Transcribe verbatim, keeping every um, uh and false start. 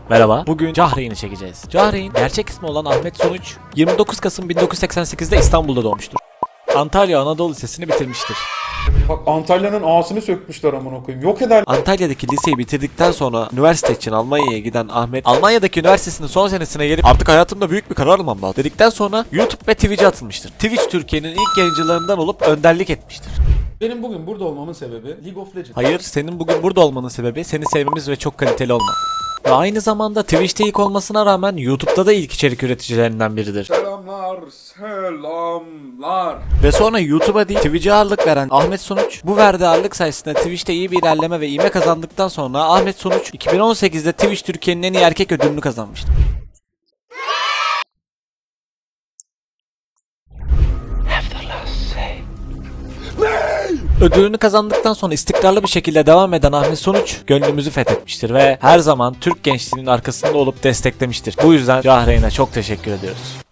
Merhaba. Bugün Cahreyn'i çekeceğiz. Cahreyn gerçek ismi olan Ahmet Sonuç yirmi dokuz Kasım bin dokuz yüz seksen sekiz'de İstanbul'da doğmuştur. Antalya Anadolu Lisesi'ni bitirmiştir. Bak Antalya'nın ağasını sökmüşler amına koyayım. Yok eder. Antalya'daki liseyi bitirdikten sonra üniversite için Almanya'ya giden Ahmet, Almanya'daki üniversitesinin son senesine gelip artık hayatımda büyük bir karar almam lazım dedikten sonra YouTube ve Twitch'e atılmıştır. Twitch Türkiye'nin ilk yayıncılarından olup önderlik etmiştir. Benim bugün burada olmamın sebebi League of Legends. Hayır, senin bugün burada olmanın sebebi seni sevmemiz ve çok kaliteli olman. Ve aynı zamanda Twitch'te ilk olmasına rağmen YouTube'da da ilk içerik üreticilerinden biridir. Selamlar, selamlar. Ve sonra YouTube'a değil Twitch'e ağırlık veren Ahmet Sonuç, bu verdiği ağırlık sayesinde Twitch'te iyi bir ilerleme ve ivme kazandıktan sonra Ahmet Sonuç iki bin on sekiz'de Twitch Türkiye'nin en iyi erkek ödülünü kazanmıştı. Ödülünü kazandıktan sonra istikrarlı bir şekilde devam eden Ahmet Sonuç gönlümüzü fethetmiştir ve her zaman Türk gençliğinin arkasında olup desteklemiştir. Bu yüzden Cahreyn'e çok teşekkür ediyoruz.